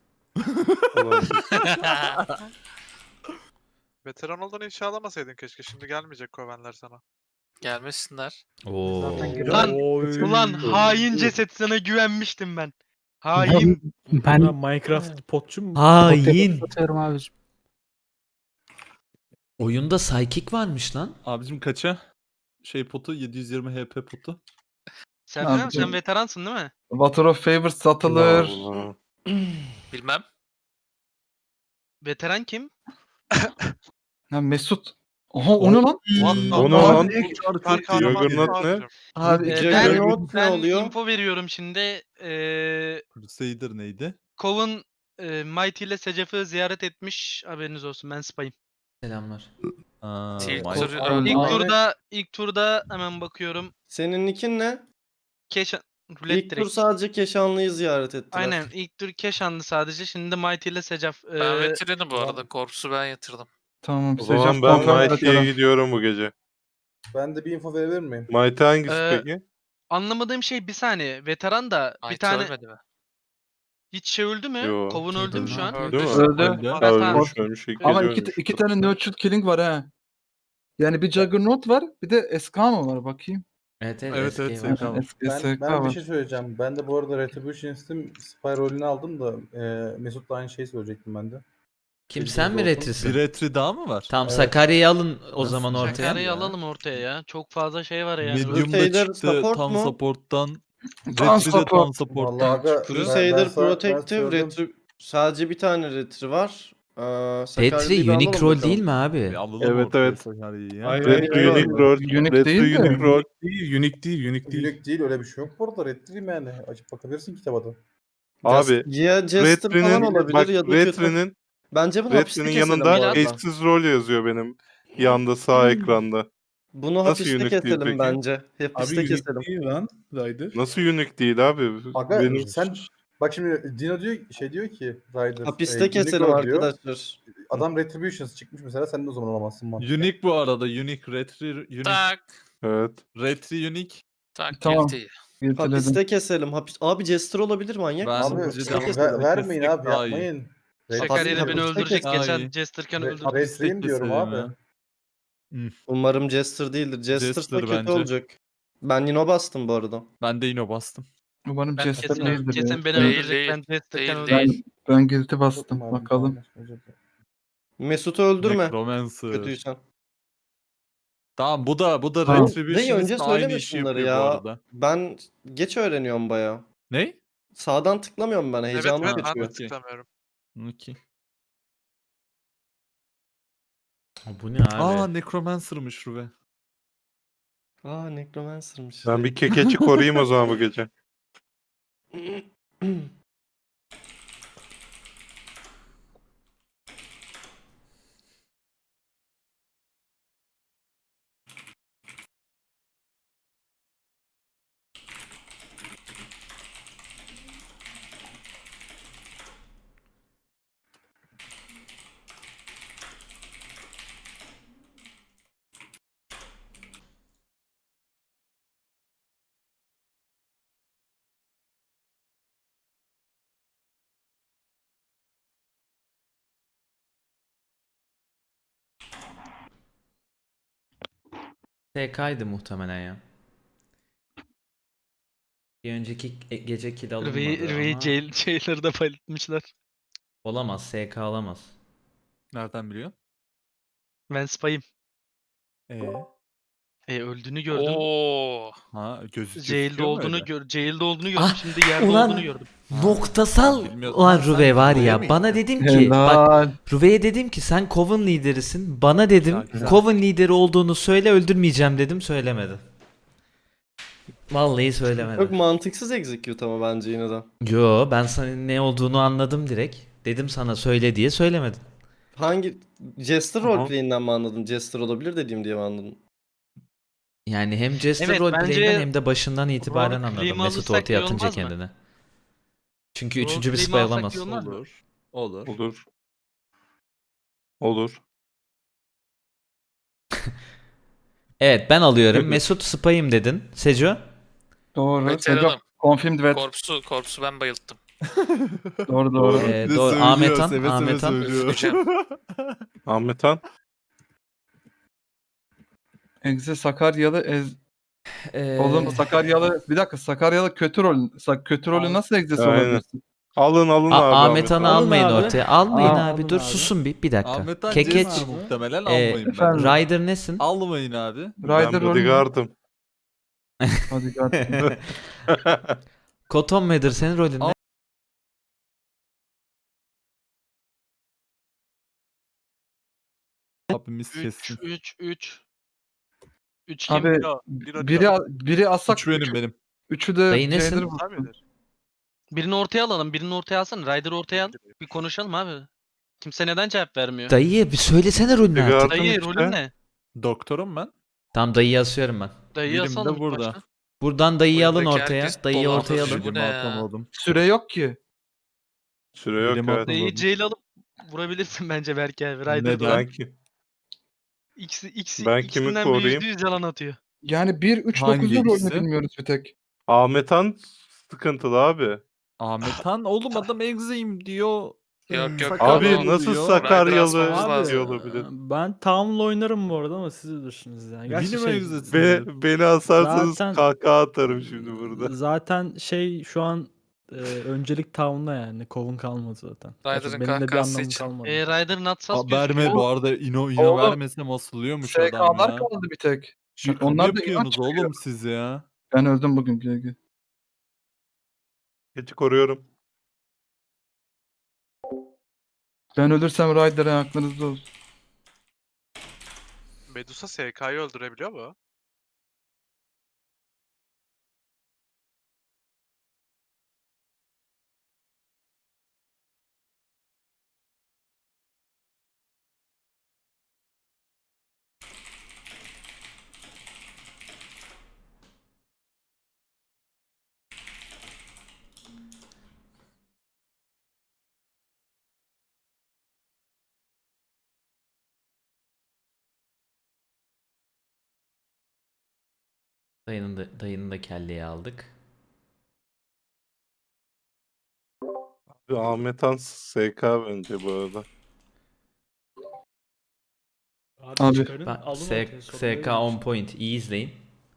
[SPEAKER 10] Veteran olduğunu ifşa alamasaydın keşke. Şimdi gelmeyecek Coven'ler sana.
[SPEAKER 6] Gelmesinler.
[SPEAKER 2] Oo.
[SPEAKER 1] Lan
[SPEAKER 3] Oy.
[SPEAKER 1] ulan hain ceset sana güvenmiştim ben. Hain.
[SPEAKER 4] Ben
[SPEAKER 3] Ben Minecraft potçu mu?
[SPEAKER 2] Hain.
[SPEAKER 4] atıyorum abicim.
[SPEAKER 2] Oyunda psychic varmış lan.
[SPEAKER 8] Abicim kaça? Şey potu yedi yüz yirmi H P potu.
[SPEAKER 1] Serkan
[SPEAKER 5] Abi,
[SPEAKER 1] sen veteransın değil mi?
[SPEAKER 5] Water of Favor satılır.
[SPEAKER 7] Allah.
[SPEAKER 6] Bilmem.
[SPEAKER 1] Veteran kim?
[SPEAKER 5] Ha, Mesut. Oha o ne lan?
[SPEAKER 9] O ne
[SPEAKER 5] Abi,
[SPEAKER 9] lan?
[SPEAKER 10] Süper kahraman
[SPEAKER 9] Juggernaut ne?
[SPEAKER 10] abicim.
[SPEAKER 5] Abi
[SPEAKER 1] Ee,
[SPEAKER 5] iki
[SPEAKER 1] ben,
[SPEAKER 7] Juggernaut ne
[SPEAKER 1] ben
[SPEAKER 7] oluyor?
[SPEAKER 1] info veriyorum şimdi. Ee,
[SPEAKER 8] Crusader neydi?
[SPEAKER 1] Coven e, Mighty ile Secef'i ziyaret etmiş. Haberiniz olsun ben spayım.
[SPEAKER 2] Selamlar.
[SPEAKER 8] Aa,
[SPEAKER 6] Tilk
[SPEAKER 8] vay-
[SPEAKER 6] turu
[SPEAKER 5] Abi,
[SPEAKER 6] öldü.
[SPEAKER 1] İlk
[SPEAKER 5] Abi-
[SPEAKER 1] turda ilk turda hemen bakıyorum.
[SPEAKER 7] Senin nickin ne?
[SPEAKER 1] Keş rulet
[SPEAKER 7] İlk tur
[SPEAKER 1] direkt.
[SPEAKER 7] sadece Keşanlı'yı ziyaret ettiler.
[SPEAKER 1] Aynen ilk tur Keşanlı sadece. Şimdi Mighty ile Secef.
[SPEAKER 6] Ben
[SPEAKER 1] Ee,
[SPEAKER 6] veteranım bu arada. Korps'u ben yatırdım.
[SPEAKER 5] Tamam.
[SPEAKER 9] O zaman
[SPEAKER 5] Secaf
[SPEAKER 9] ben
[SPEAKER 5] Volkan
[SPEAKER 9] Mighty'ye
[SPEAKER 5] veteran.
[SPEAKER 9] gidiyorum bu gece.
[SPEAKER 3] Ben de bir info verebilir miyim?
[SPEAKER 9] Mighty hangisi
[SPEAKER 1] Ee,
[SPEAKER 9] peki?
[SPEAKER 1] anlamadığım şey bir saniye. Veteran da bir
[SPEAKER 6] Mighty
[SPEAKER 1] tane
[SPEAKER 6] ölmedi mi?
[SPEAKER 1] hiç şey öldü mü?
[SPEAKER 9] Yo.
[SPEAKER 1] Coven öldü mü şu an?
[SPEAKER 10] Öldü.
[SPEAKER 9] Değil mi?
[SPEAKER 5] Öldü.
[SPEAKER 8] Öldü.
[SPEAKER 9] Ha,
[SPEAKER 1] Ben-
[SPEAKER 9] ölmüş ölmüş. İlk
[SPEAKER 5] Ama
[SPEAKER 9] gece
[SPEAKER 5] iki,
[SPEAKER 9] ölmüş.
[SPEAKER 5] iki tane nurtured killing var ha. Yani bir Juggernaut var, bir de Eskama var bakayım.
[SPEAKER 2] Evet evet,
[SPEAKER 8] Evet,
[SPEAKER 2] eski
[SPEAKER 8] evet,
[SPEAKER 2] var.
[SPEAKER 8] Tamam.
[SPEAKER 5] Es-
[SPEAKER 3] Ben,
[SPEAKER 5] SK
[SPEAKER 3] ben bir
[SPEAKER 5] var.
[SPEAKER 3] şey söyleyeceğim. Ben de bu arada Retribution istim Spy rolünü aldım da e, Mesut da aynı şeyi söyleyecektim ben de.
[SPEAKER 2] Kim sen mi
[SPEAKER 3] olsun.
[SPEAKER 8] Bir
[SPEAKER 2] retrisin?
[SPEAKER 8] retri daha mı var?
[SPEAKER 2] Tamam
[SPEAKER 3] Evet.
[SPEAKER 2] Sakarya'yı alın o
[SPEAKER 8] Nasıl
[SPEAKER 2] zaman ortaya.
[SPEAKER 1] Sakarya'yı
[SPEAKER 8] ya?
[SPEAKER 1] alalım ortaya ya. Çok fazla şey var yani.
[SPEAKER 8] Medium'da
[SPEAKER 7] Crusader
[SPEAKER 8] çıktı.
[SPEAKER 7] support
[SPEAKER 8] Tam
[SPEAKER 7] mu?
[SPEAKER 8] support'tan.
[SPEAKER 5] Tam
[SPEAKER 8] Retri'de tam
[SPEAKER 5] support.
[SPEAKER 8] support'tan
[SPEAKER 3] Vallahi aga,
[SPEAKER 8] çıktı.
[SPEAKER 3] ben-
[SPEAKER 7] Crusader
[SPEAKER 3] sana- ben
[SPEAKER 7] Protective
[SPEAKER 3] söyledim.
[SPEAKER 7] Retri... Sadece bir tane retri var. Ee, Sakarya'yı
[SPEAKER 2] Retri
[SPEAKER 7] bir alalım
[SPEAKER 2] unique rol
[SPEAKER 7] bakalım.
[SPEAKER 2] değil mi abi?
[SPEAKER 8] Bir alalım
[SPEAKER 9] Evet,
[SPEAKER 8] ortaya
[SPEAKER 9] evet.
[SPEAKER 8] Sakarya'yı ya.
[SPEAKER 7] Hayır,
[SPEAKER 9] Retro
[SPEAKER 7] hayır,
[SPEAKER 9] Unique
[SPEAKER 7] hayır.
[SPEAKER 9] Rol.
[SPEAKER 5] Unique
[SPEAKER 9] Retro
[SPEAKER 5] değil de.
[SPEAKER 9] Unique Rol.
[SPEAKER 3] Değil, unique değil, unique değil. Unique değil öyle bir şey yok bu arada. Retri'yim yani. Açıp bakabilirsin kitaba da.
[SPEAKER 9] Abi
[SPEAKER 7] Just- ya Jester falan
[SPEAKER 9] Retri'nin
[SPEAKER 7] olabilir
[SPEAKER 9] bak
[SPEAKER 7] ya da kötü.
[SPEAKER 9] Retri'nin
[SPEAKER 7] Bence bunu hapiste
[SPEAKER 9] Retri'nin
[SPEAKER 7] keselim bu
[SPEAKER 9] yanında
[SPEAKER 7] arada.
[SPEAKER 9] eşsiz rol yazıyor benim yanda sağ ekranda.
[SPEAKER 7] Bunu
[SPEAKER 9] Nasıl
[SPEAKER 7] hapiste
[SPEAKER 9] unique değil
[SPEAKER 7] keselim
[SPEAKER 9] peki?
[SPEAKER 7] bence. Hapiste keselim.
[SPEAKER 3] değil lan. Rider.
[SPEAKER 9] Nasıl unique değil abi?
[SPEAKER 3] Aga
[SPEAKER 9] Benim
[SPEAKER 3] sen bak şimdi Dino diyor şey diyor ki Rider.
[SPEAKER 7] Hapiste
[SPEAKER 3] e, unique
[SPEAKER 7] keselim
[SPEAKER 3] rol diyor.
[SPEAKER 7] arkadaşlar.
[SPEAKER 3] Adam Retributions çıkmış mesela sen de o zaman olamazsın mantıklı.
[SPEAKER 8] Unique bu arada. Unique. Retri. Unique.
[SPEAKER 6] Tak.
[SPEAKER 9] evet.
[SPEAKER 8] Retri unique.
[SPEAKER 6] Tak.
[SPEAKER 5] Tamam.
[SPEAKER 6] Guilty.
[SPEAKER 5] Yeteledim.
[SPEAKER 7] Hapiste keselim. Hapis... Abi Jester olabilir manyak
[SPEAKER 8] Ben-
[SPEAKER 7] mısın?
[SPEAKER 3] Abi
[SPEAKER 8] Hapiste
[SPEAKER 7] Hapiste
[SPEAKER 3] ver-
[SPEAKER 7] keselim.
[SPEAKER 3] vermeyin
[SPEAKER 8] Kesmek
[SPEAKER 3] abi
[SPEAKER 8] daha iyi.
[SPEAKER 3] yapmayın.
[SPEAKER 1] Sakarya da beni
[SPEAKER 7] hapiste
[SPEAKER 1] öldürecek.
[SPEAKER 8] kesin.
[SPEAKER 1] Geçen
[SPEAKER 8] Ay.
[SPEAKER 1] Jesterken
[SPEAKER 3] Re-
[SPEAKER 1] öldürdü.
[SPEAKER 3] Retri'yim diyorum
[SPEAKER 8] keselim
[SPEAKER 3] abi.
[SPEAKER 8] ya.
[SPEAKER 7] Umarım Jester değildir. Jester,
[SPEAKER 8] Jester
[SPEAKER 7] kötü
[SPEAKER 8] bence.
[SPEAKER 7] olacak. Ben Nino bastım bu arada.
[SPEAKER 8] Ben de yine bastım.
[SPEAKER 5] Umarım
[SPEAKER 1] Ben
[SPEAKER 5] Jester
[SPEAKER 1] kesin,
[SPEAKER 5] değildir
[SPEAKER 1] kesin
[SPEAKER 5] ya.
[SPEAKER 1] beni
[SPEAKER 6] Değil,
[SPEAKER 1] öldürecek.
[SPEAKER 6] değil.
[SPEAKER 1] Ben Jesterken
[SPEAKER 6] Değil,
[SPEAKER 1] öldürdüm.
[SPEAKER 5] Ben, ben guilty bastım. Bakalım.
[SPEAKER 7] Mesut'u öldürme.
[SPEAKER 8] Necromancer.
[SPEAKER 7] Kötüysen.
[SPEAKER 8] Tamam bu da bu da
[SPEAKER 5] Tamam.
[SPEAKER 7] Dayı
[SPEAKER 8] Retribution'ın
[SPEAKER 7] önce
[SPEAKER 8] aynı
[SPEAKER 7] söyleme
[SPEAKER 8] işi
[SPEAKER 7] şunları
[SPEAKER 8] yapıyor bu
[SPEAKER 7] ya.
[SPEAKER 8] arada.
[SPEAKER 7] Ben geç öğreniyorum baya.
[SPEAKER 8] Ne?
[SPEAKER 7] Sağdan tıklamıyorum ben.
[SPEAKER 10] Evet
[SPEAKER 7] Heyecanım
[SPEAKER 10] evet ben de
[SPEAKER 7] geçiyor.
[SPEAKER 8] Okey.
[SPEAKER 10] tıklamıyorum.
[SPEAKER 8] Okey.
[SPEAKER 2] Bu ne abi?
[SPEAKER 8] Aa Necromancer'mış Ruve.
[SPEAKER 7] Aa Necromancer'mış.
[SPEAKER 9] Ben bir kekeçi koruyayım o zaman bu gece.
[SPEAKER 2] T K'ydı muhtemelen ya. Bir önceki e- gece kill alınmadı
[SPEAKER 1] Rüveyi
[SPEAKER 2] ama
[SPEAKER 1] jail, jailer'ı da paylaşmışlar.
[SPEAKER 2] olamaz. S K alamaz.
[SPEAKER 8] Nereden biliyorsun?
[SPEAKER 1] Ben spayım.
[SPEAKER 8] Ee.
[SPEAKER 1] E, öldüğünü gördüm.
[SPEAKER 6] Oo.
[SPEAKER 8] Ha gözü
[SPEAKER 1] Jail'de
[SPEAKER 8] gözüküyor mu
[SPEAKER 1] olduğunu
[SPEAKER 8] öyle?
[SPEAKER 1] gör, jail'de olduğunu gördüm.
[SPEAKER 2] Ah,
[SPEAKER 1] Şimdi yerde
[SPEAKER 2] ulan.
[SPEAKER 1] olduğunu gördüm.
[SPEAKER 2] Noktasal
[SPEAKER 8] bilmiyordum.
[SPEAKER 2] ulan
[SPEAKER 8] Ha, sen
[SPEAKER 2] Ruve var
[SPEAKER 8] Ruve'ye
[SPEAKER 2] ya.
[SPEAKER 8] mi
[SPEAKER 2] Bana
[SPEAKER 8] gittin?
[SPEAKER 2] dedim ki bak
[SPEAKER 5] Helal.
[SPEAKER 2] Ruve'ye dedim ki sen Coven liderisin. Bana dedim
[SPEAKER 8] güzel.
[SPEAKER 2] Coven lideri olduğunu söyle öldürmeyeceğim dedim söylemedi. Vallahi
[SPEAKER 7] Çok
[SPEAKER 2] söylemedi.
[SPEAKER 7] mantıksız execute ama bence yine de.
[SPEAKER 2] Yo ben sana ne olduğunu anladım direkt. Dedim sana söyle diye söylemedin.
[SPEAKER 7] Hangi Jester
[SPEAKER 9] Aha.
[SPEAKER 7] roleplay'inden mi anladın? Jester olabilir dediğim diye mi anladın?
[SPEAKER 2] Yani hem Jester
[SPEAKER 1] Evet,
[SPEAKER 2] roleplay'inden
[SPEAKER 1] bence
[SPEAKER 2] hem de başından itibaren anladım.
[SPEAKER 1] roleplay'imi
[SPEAKER 2] Mesut
[SPEAKER 1] alırsak
[SPEAKER 2] ortaya
[SPEAKER 1] iyi
[SPEAKER 2] atınca
[SPEAKER 1] olmaz mı?
[SPEAKER 2] kendini. Çünkü üçüncü bir
[SPEAKER 1] Roleplay'imi
[SPEAKER 2] spy
[SPEAKER 1] alsak
[SPEAKER 2] alamaz.
[SPEAKER 1] iyi olmaz mı?
[SPEAKER 8] Olur. Olur.
[SPEAKER 9] Olur. Olur.
[SPEAKER 2] Evet ben alıyorum. Mesut spy'ım dedin. Seco?
[SPEAKER 5] Doğru.
[SPEAKER 6] Veteranım.
[SPEAKER 5] Seco, confirmed vet.
[SPEAKER 6] Korpsu, korpsu ben bayılttım.
[SPEAKER 5] Doğru doğru.
[SPEAKER 2] Ee,
[SPEAKER 8] Bir de
[SPEAKER 2] doğru.
[SPEAKER 8] söylüyor,
[SPEAKER 2] Ahmet Han,
[SPEAKER 8] seve seve
[SPEAKER 2] Ahmet Han.
[SPEAKER 8] söylüyor.
[SPEAKER 6] Üzüleceğim.
[SPEAKER 9] Ahmet Han.
[SPEAKER 5] Egze Sakaryalı ez...
[SPEAKER 2] Ee,
[SPEAKER 5] Oğlum Sakaryalı bir dakika Sakaryalı kötü rol. Sa- kötü rolü nasıl egzesi
[SPEAKER 9] Aynen.
[SPEAKER 5] olabilirsin?
[SPEAKER 9] Alın alın
[SPEAKER 2] A-
[SPEAKER 9] abi.
[SPEAKER 2] Ahmet Han'ı
[SPEAKER 9] Han.
[SPEAKER 2] almayın
[SPEAKER 4] abi.
[SPEAKER 2] ortaya. Almayın
[SPEAKER 5] Aa,
[SPEAKER 2] abi.
[SPEAKER 4] alın
[SPEAKER 2] Dur
[SPEAKER 4] abi.
[SPEAKER 2] susun bir bir dakika.
[SPEAKER 8] Ahmet Han
[SPEAKER 2] Kekeç.
[SPEAKER 8] Jester muhtemelen
[SPEAKER 2] Ee,
[SPEAKER 8] almayın
[SPEAKER 5] efendim.
[SPEAKER 8] bence.
[SPEAKER 2] Ryder nesin?
[SPEAKER 8] Almayın abi.
[SPEAKER 5] Rider
[SPEAKER 9] Ben
[SPEAKER 5] rolü.
[SPEAKER 9] bodyguard'ım.
[SPEAKER 5] Hadi gel.
[SPEAKER 2] Cotton Mather senin rolün ne?
[SPEAKER 8] Al- Abimiz
[SPEAKER 1] üç
[SPEAKER 8] kessin.
[SPEAKER 1] üç üç. üç kim?
[SPEAKER 5] Abi
[SPEAKER 10] Biro, Biro
[SPEAKER 5] biri
[SPEAKER 10] diyor.
[SPEAKER 5] biri asak.
[SPEAKER 8] Üç benim
[SPEAKER 5] üçü,
[SPEAKER 8] benim.
[SPEAKER 5] üçü de
[SPEAKER 2] Dayı nesin?
[SPEAKER 5] Jailer
[SPEAKER 10] Var
[SPEAKER 5] vursun.
[SPEAKER 10] mıdır?
[SPEAKER 1] Birini ortaya alalım. Birini ortaya alsana. Ryder'ı ortaya al. Bir konuşalım abi. Kimse neden cevap vermiyor?
[SPEAKER 2] Dayı bir söylesene rolünü
[SPEAKER 9] Bodyguard.
[SPEAKER 2] artık.
[SPEAKER 1] Dayı
[SPEAKER 9] işte.
[SPEAKER 1] rolün ne?
[SPEAKER 8] Doktorum ben.
[SPEAKER 2] Tamam dayıyı asıyorum ben.
[SPEAKER 1] Dayıyı
[SPEAKER 8] Birim de
[SPEAKER 1] asalım.
[SPEAKER 8] burada.
[SPEAKER 1] başta.
[SPEAKER 2] Buradan dayıyı alın
[SPEAKER 6] Buradaki
[SPEAKER 2] ortaya.
[SPEAKER 6] herkes
[SPEAKER 2] Dayıyı
[SPEAKER 6] dolandı.
[SPEAKER 2] ortaya alın.
[SPEAKER 6] Bu
[SPEAKER 8] Bilimi
[SPEAKER 6] ne ya?
[SPEAKER 8] atamadım.
[SPEAKER 5] Süre yok ki.
[SPEAKER 9] Süre yok
[SPEAKER 8] Bilim
[SPEAKER 9] ya.
[SPEAKER 8] atamadım.
[SPEAKER 1] Dayıyı jail alıp vurabilirsin bence belki abi. Ryder'ı
[SPEAKER 8] Neden?
[SPEAKER 1] da.
[SPEAKER 9] Ben, ki-
[SPEAKER 1] İkisi, ikisi,
[SPEAKER 9] Ben kimi
[SPEAKER 1] ikisinden biri
[SPEAKER 9] koruyayım?
[SPEAKER 1] yüzde yüz yalan atıyor.
[SPEAKER 5] Yani bir üç
[SPEAKER 8] Hangi
[SPEAKER 5] dokuzun rolünü
[SPEAKER 8] ikisi?
[SPEAKER 5] bilmiyoruz bir tek.
[SPEAKER 9] Ahmet Han sıkıntılı abi.
[SPEAKER 8] Ahmet Han oğlum adam egzeyim diyor.
[SPEAKER 6] Yok yok.
[SPEAKER 9] Abi
[SPEAKER 6] adam-
[SPEAKER 9] nasıl
[SPEAKER 8] diyor.
[SPEAKER 9] Sakaryalı
[SPEAKER 6] Rider asmamız
[SPEAKER 9] diyor
[SPEAKER 6] lazım.
[SPEAKER 9] olabilir.
[SPEAKER 4] Ben Town'la oynarım bu arada ama siz bilirsiniz yani. Gerçi
[SPEAKER 8] Bilim
[SPEAKER 4] şey,
[SPEAKER 8] egzesi.
[SPEAKER 9] Be, beni asarsanız
[SPEAKER 4] Zaten-
[SPEAKER 9] kahkaha atarım şimdi burada.
[SPEAKER 4] zaten şey şu an e, öncelik Town'la yani. Kovun kalmadı zaten. Gerçi
[SPEAKER 6] Ryder'ın
[SPEAKER 4] benim de bir
[SPEAKER 6] kahkahası
[SPEAKER 4] anlamım
[SPEAKER 6] için.
[SPEAKER 4] kalmadı.
[SPEAKER 1] E, Ryder'ın atsas
[SPEAKER 8] Aa, verme bu arada ino ino
[SPEAKER 5] Oğlum,
[SPEAKER 8] vermesem asılıyormuş adam
[SPEAKER 5] S K'lar
[SPEAKER 8] ya.
[SPEAKER 5] kaldı bir tek.
[SPEAKER 8] Şaka mı
[SPEAKER 5] Onlar da
[SPEAKER 8] yapıyorsunuz
[SPEAKER 5] inanç çıkıyor.
[SPEAKER 8] oğlum siz ya?
[SPEAKER 5] Ben öldüm bugün G G.
[SPEAKER 9] Geçi koruyorum.
[SPEAKER 5] Ben ölürsem Rider'a aklınızda olsun.
[SPEAKER 10] Medusa S K'yı öldürebiliyor mu?
[SPEAKER 2] Dayının da, dayının da kelleyi aldık.
[SPEAKER 9] Abi Ahmet Han S K bence bu arada.
[SPEAKER 5] Abi,
[SPEAKER 4] çıkarın,
[SPEAKER 2] Ben,
[SPEAKER 4] alın
[SPEAKER 2] S-
[SPEAKER 4] ortaya, sorun
[SPEAKER 2] SK
[SPEAKER 4] değil.
[SPEAKER 2] on point. İyi izleyin.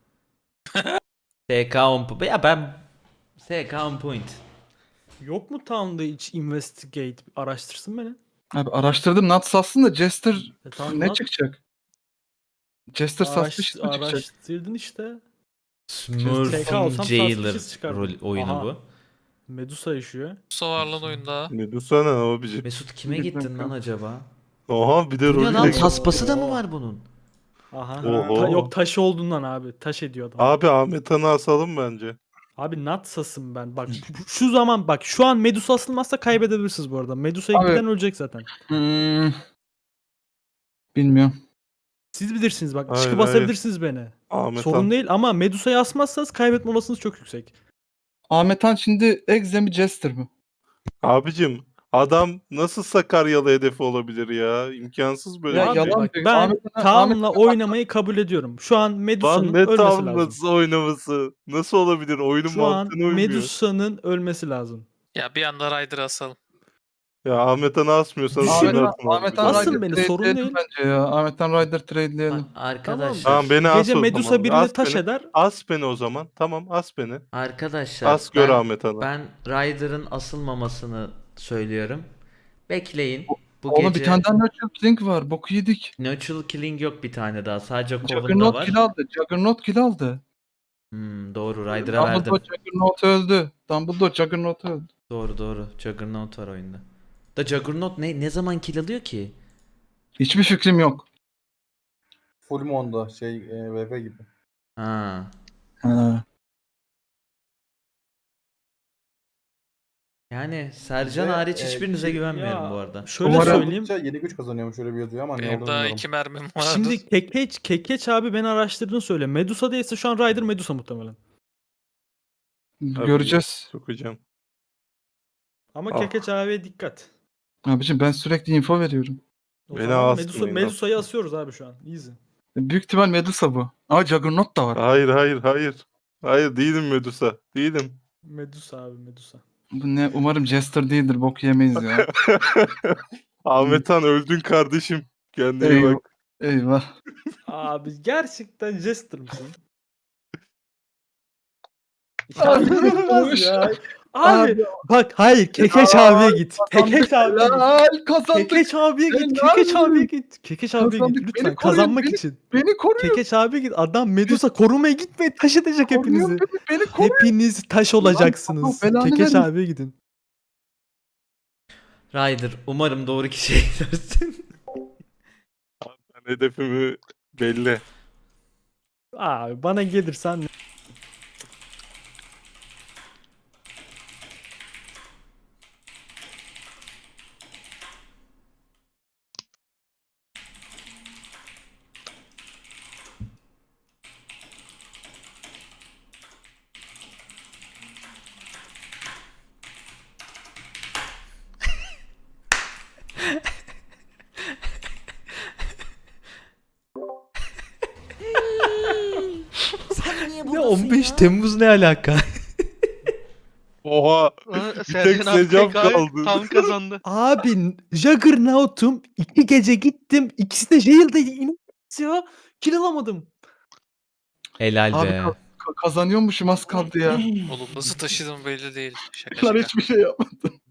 [SPEAKER 2] S K on point. Ya ben S K on point.
[SPEAKER 4] Yok mu Town'da hiç investigate araştırsın beni.
[SPEAKER 5] Abi araştırdım Nat sassın da Jester
[SPEAKER 4] E, tamam,
[SPEAKER 5] ne
[SPEAKER 4] lan,
[SPEAKER 5] çıkacak? Jester
[SPEAKER 4] araş-
[SPEAKER 5] saslı işte çıkacak.
[SPEAKER 4] araştırdın işte. S K
[SPEAKER 2] Smurf'un
[SPEAKER 4] alsam
[SPEAKER 2] Jailer
[SPEAKER 4] suspicious çıkardım.
[SPEAKER 2] rol, oyunu
[SPEAKER 4] Aha.
[SPEAKER 2] bu.
[SPEAKER 4] Medusa yaşıyor.
[SPEAKER 6] Medusa var lan oyunda.
[SPEAKER 9] Medusa ne abicim?
[SPEAKER 2] Mesut kime
[SPEAKER 5] Bilmiyorum
[SPEAKER 2] gittin lan
[SPEAKER 5] kanka.
[SPEAKER 2] acaba?
[SPEAKER 9] Oha bir de
[SPEAKER 2] Bu ne
[SPEAKER 9] rolü
[SPEAKER 2] lan
[SPEAKER 9] de-
[SPEAKER 2] tasması da mı var bunun?
[SPEAKER 4] Aha.
[SPEAKER 9] Oho.
[SPEAKER 4] Ta- yok taş olduğundan abi. Taş ediyor adam.
[SPEAKER 9] Abi Ahmet Han'ı asalım bence.
[SPEAKER 4] Abi Natsas'ım ben. Bak bu- şu zaman bak şu an Medusa asılmazsa kaybedebilirsiniz bu arada. Medusa'ya
[SPEAKER 5] Abi-
[SPEAKER 4] giden ölecek zaten.
[SPEAKER 5] Hmm. Bilmiyorum.
[SPEAKER 4] Siz bilirsiniz bak.
[SPEAKER 9] Hayır,
[SPEAKER 4] Çıkıp
[SPEAKER 9] hayır.
[SPEAKER 4] asabilirsiniz beni.
[SPEAKER 9] Ahmet
[SPEAKER 4] Sorun
[SPEAKER 9] Han.
[SPEAKER 4] değil ama Medusa'yı asmazsanız kaybetme olasılığınız çok yüksek.
[SPEAKER 5] Ahmet Han şimdi Exe mi Jester mi?
[SPEAKER 9] Abicim adam nasıl Sakaryalı hedefi olabilir ya? İmkansız böyle
[SPEAKER 5] Ya
[SPEAKER 9] bir şey.
[SPEAKER 5] yalan
[SPEAKER 4] Bak,
[SPEAKER 5] diyor.
[SPEAKER 4] ben
[SPEAKER 5] Ahmet Han- Ahmet
[SPEAKER 4] Town'la
[SPEAKER 5] Han-
[SPEAKER 4] oynamayı kabul ediyorum. Şu an
[SPEAKER 9] Lan
[SPEAKER 4] Medusa'nın
[SPEAKER 9] ne
[SPEAKER 4] ölmesi lazım.
[SPEAKER 9] tamlası oynaması? Nasıl olabilir? Oyunun
[SPEAKER 4] Şu an
[SPEAKER 9] mantığına uymuyor.
[SPEAKER 4] Medusa'nın ölmesi lazım.
[SPEAKER 6] Ya bir anda Ryder'ı asalım.
[SPEAKER 9] Ya Ahmet Han'ı asmıyorsanız
[SPEAKER 4] Düşün.
[SPEAKER 9] beni
[SPEAKER 5] Ahmet,
[SPEAKER 9] atın
[SPEAKER 5] Ahmet
[SPEAKER 9] abi.
[SPEAKER 5] Han
[SPEAKER 4] Asın
[SPEAKER 5] Rider
[SPEAKER 4] beni, sorun
[SPEAKER 5] trade'leyelim
[SPEAKER 4] değil.
[SPEAKER 5] bence ya. Ahmet Han Rider trade'leyelim.
[SPEAKER 2] A- Arkadaşlar.
[SPEAKER 9] Tamam beni as
[SPEAKER 4] Gece
[SPEAKER 9] o
[SPEAKER 4] Medusa
[SPEAKER 9] zaman.
[SPEAKER 4] birini
[SPEAKER 9] As
[SPEAKER 4] taş
[SPEAKER 9] beni.
[SPEAKER 4] eder.
[SPEAKER 9] As beni o zaman. Tamam as beni.
[SPEAKER 2] Arkadaşlar.
[SPEAKER 9] As gör
[SPEAKER 2] ben,
[SPEAKER 9] Ahmet Han'ı.
[SPEAKER 2] ben Ryder'ın asılmamasını söylüyorum. Bekleyin. Bu
[SPEAKER 5] Oğlum
[SPEAKER 2] gece
[SPEAKER 5] bir tane daha Nurture Killing var. Boku yedik.
[SPEAKER 2] Natural Killing yok bir tane daha. Sadece Coven'da
[SPEAKER 5] Juggernaut
[SPEAKER 2] var.
[SPEAKER 5] kill aldı. Juggernaut kill aldı.
[SPEAKER 2] Hmm, doğru Ryder'a verdim.
[SPEAKER 5] Dumbledore Juggernaut öldü. Dumbledore Juggernaut öldü.
[SPEAKER 2] Doğru doğru. Juggernaut var oyunda. Da Juggernaut ne ne zaman kill alıyor ki?
[SPEAKER 5] Hiçbir fikrim yok.
[SPEAKER 3] Full Mon'da şey e, V V gibi.
[SPEAKER 2] Ha.
[SPEAKER 5] Ha.
[SPEAKER 2] Yani Sercan
[SPEAKER 3] Ve,
[SPEAKER 2] hariç
[SPEAKER 3] e,
[SPEAKER 2] hiçbirinize
[SPEAKER 3] ki-
[SPEAKER 2] güvenmiyorum
[SPEAKER 4] Ya,
[SPEAKER 2] bu arada.
[SPEAKER 4] Şöyle
[SPEAKER 5] Umarım-
[SPEAKER 4] söyleyeyim.
[SPEAKER 3] yedi güç kazanıyormuş öyle bir yazıyor ama ne
[SPEAKER 6] Benim
[SPEAKER 3] olduğunu
[SPEAKER 6] daha
[SPEAKER 3] bilmiyorum.
[SPEAKER 6] iki mermim vardı.
[SPEAKER 4] Şimdi Kekeç, Kekeç abi beni araştırdığını söyle. Medusa değilse şu an Ryder Medusa muhtemelen.
[SPEAKER 5] Göreceğiz.
[SPEAKER 9] Sokacağım.
[SPEAKER 4] Ama
[SPEAKER 9] Ah.
[SPEAKER 4] Kekeç abiye dikkat.
[SPEAKER 5] Abicim ben sürekli info veriyorum.
[SPEAKER 4] O
[SPEAKER 9] Beni
[SPEAKER 4] zaman
[SPEAKER 9] asmayın,
[SPEAKER 4] Medusa, Medusa'yı asıyoruz abi şu an. Easy.
[SPEAKER 5] Büyük ihtimal Medusa bu. Ama Juggernaut da var.
[SPEAKER 9] Hayır hayır hayır. Hayır değilim Medusa. Değilim.
[SPEAKER 4] Medusa abi Medusa.
[SPEAKER 5] Bu ne? Umarım Jester değildir. Bok yemeyiz ya.
[SPEAKER 9] Ahmet Han öldün kardeşim. Kendine iyi
[SPEAKER 5] Eyvah.
[SPEAKER 9] bak.
[SPEAKER 5] Eyvah.
[SPEAKER 4] Abi gerçekten Jester mısın?
[SPEAKER 5] Abi,
[SPEAKER 4] İnanılmaz ya. Abi,
[SPEAKER 5] Abi.
[SPEAKER 4] bak hayır Kekeç abiye git. Kekeç abiye git.
[SPEAKER 5] Helal kazandık.
[SPEAKER 4] Kekeç abiye git.
[SPEAKER 5] Helal.
[SPEAKER 4] Kekeç abiye git. Kekeç abiye git.
[SPEAKER 5] Kazandık.
[SPEAKER 4] Lütfen
[SPEAKER 5] Beni koruyun,
[SPEAKER 4] kazanmak
[SPEAKER 5] beni-
[SPEAKER 4] için.
[SPEAKER 5] Beni koruyor.
[SPEAKER 4] Kekeç abiye git. Adam Medusa korumaya gitmeyin. Taş edecek
[SPEAKER 5] Koruyor
[SPEAKER 4] hepinizi.
[SPEAKER 5] beni. Beni koruyor.
[SPEAKER 4] Hepiniz taş olacaksınız.
[SPEAKER 5] Allah belanı
[SPEAKER 4] Kekeç
[SPEAKER 5] vermesin.
[SPEAKER 4] abiye gidin.
[SPEAKER 2] Ryder umarım doğru kişiye gidersin.
[SPEAKER 9] Ben hedefimi belli.
[SPEAKER 4] Abi bana gelirsen ne on beş Temmuz ne alaka?
[SPEAKER 9] Oha.
[SPEAKER 1] Aa,
[SPEAKER 9] tek
[SPEAKER 1] Sercan abi
[SPEAKER 9] Secaf
[SPEAKER 1] tek abi
[SPEAKER 9] kaldı.
[SPEAKER 1] tam kazandı.
[SPEAKER 4] Abi Juggernaut'um iki gece gittim. İkisi de jail'deydi. İnanılmaz ya. Kill alamadım.
[SPEAKER 2] Helal
[SPEAKER 5] Abi
[SPEAKER 2] be.
[SPEAKER 5] ka- ka- kazanıyormuşum az kaldı ya.
[SPEAKER 6] Oğlum nasıl taşıdım belli değil. Şaka
[SPEAKER 5] Lan
[SPEAKER 6] şaka.
[SPEAKER 5] hiçbir şey yapmadım.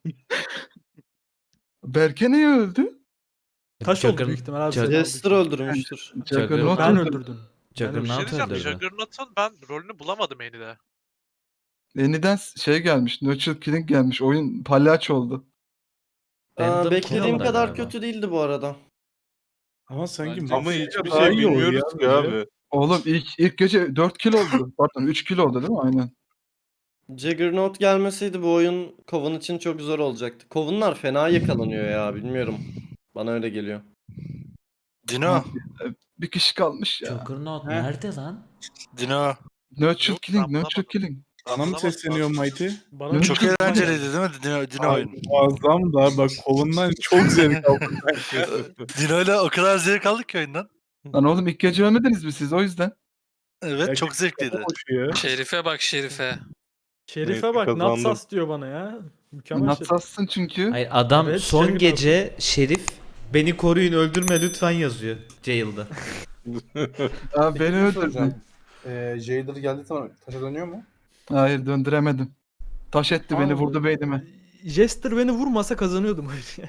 [SPEAKER 5] Berke niye öldü?
[SPEAKER 4] Taş oldu
[SPEAKER 2] Jugger-
[SPEAKER 4] büyük ihtimal abi.
[SPEAKER 2] Jugger-
[SPEAKER 4] senin
[SPEAKER 7] Jester
[SPEAKER 4] aldığın.
[SPEAKER 7] öldürmüştür.
[SPEAKER 5] Juggernaut
[SPEAKER 4] Ben
[SPEAKER 5] öldü.
[SPEAKER 4] öldürdüm.
[SPEAKER 10] Bir şey
[SPEAKER 2] Juggernaut
[SPEAKER 10] diyeceğim.
[SPEAKER 2] öldürdü.
[SPEAKER 10] Juggernaut'un ben rolünü bulamadım Eni'de.
[SPEAKER 5] Yeniden şey gelmiş. Nurture Killing gelmiş. Oyun palyaço oldu.
[SPEAKER 2] Random
[SPEAKER 7] Aa,
[SPEAKER 2] kill
[SPEAKER 7] beklediğim
[SPEAKER 2] aldı
[SPEAKER 7] kadar
[SPEAKER 2] galiba.
[SPEAKER 7] kötü değildi bu arada.
[SPEAKER 9] Ama sanki
[SPEAKER 10] Bence
[SPEAKER 9] ama
[SPEAKER 10] şey
[SPEAKER 9] hiçbir
[SPEAKER 10] daha
[SPEAKER 9] şey
[SPEAKER 10] iyi oluyor
[SPEAKER 9] bilmiyoruz
[SPEAKER 10] ya
[SPEAKER 9] ki
[SPEAKER 10] böyle.
[SPEAKER 9] abi.
[SPEAKER 5] Oğlum ilk ilk gece dört kill oldu. Pardon üç kill oldu değil mi? Aynen.
[SPEAKER 7] Juggernaut gelmeseydi bu oyun Coven için çok zor olacaktı. Coven'lar fena yakalanıyor ya bilmiyorum. Bana öyle geliyor.
[SPEAKER 12] Dino.
[SPEAKER 5] Bir kişi kalmış ya.
[SPEAKER 2] Juggernaut
[SPEAKER 12] He.
[SPEAKER 2] nerede lan?
[SPEAKER 12] Dino.
[SPEAKER 5] Nurture
[SPEAKER 10] Yok,
[SPEAKER 5] Killing,
[SPEAKER 10] ben
[SPEAKER 5] Nurture
[SPEAKER 10] bulamadım.
[SPEAKER 5] Killing.
[SPEAKER 9] Sana mı
[SPEAKER 10] Anlamadım
[SPEAKER 9] sesleniyor
[SPEAKER 10] abi.
[SPEAKER 9] Mighty?
[SPEAKER 4] Bana
[SPEAKER 5] Ne?
[SPEAKER 12] Çok
[SPEAKER 5] Çok
[SPEAKER 12] eğlenceliydi değil mi Dino, Dino oyun?
[SPEAKER 9] Muazzam da bak kolundan çok zevk aldım.
[SPEAKER 12] Dino ile o kadar zevk aldık ki oyundan.
[SPEAKER 5] Lan oğlum ilk gece ölmediniz mi siz o yüzden?
[SPEAKER 12] Evet çok zevkliydi.
[SPEAKER 9] Koşuyor.
[SPEAKER 6] Şerife bak Şerife.
[SPEAKER 4] Şerife
[SPEAKER 9] Neyse,
[SPEAKER 4] bak
[SPEAKER 9] kazandım.
[SPEAKER 4] Natsas diyor bana ya. Mükemmel Şerif.
[SPEAKER 5] Natsassın çünkü.
[SPEAKER 2] Hayır adam
[SPEAKER 4] Evet,
[SPEAKER 2] son
[SPEAKER 4] Juggernaut.
[SPEAKER 2] gece Şerif beni koruyun öldürme lütfen yazıyor jail'da.
[SPEAKER 5] Abi beni
[SPEAKER 3] Peki,
[SPEAKER 5] öldürdün.
[SPEAKER 3] soracağım. Ee, Jailer geldiği zaman taşa dönüyor mu?
[SPEAKER 5] Hayır döndüremedim. Taş etti beni
[SPEAKER 4] Abi,
[SPEAKER 5] vurdu beynime.
[SPEAKER 4] Jester beni vurmasa kazanıyordum oyunu ya.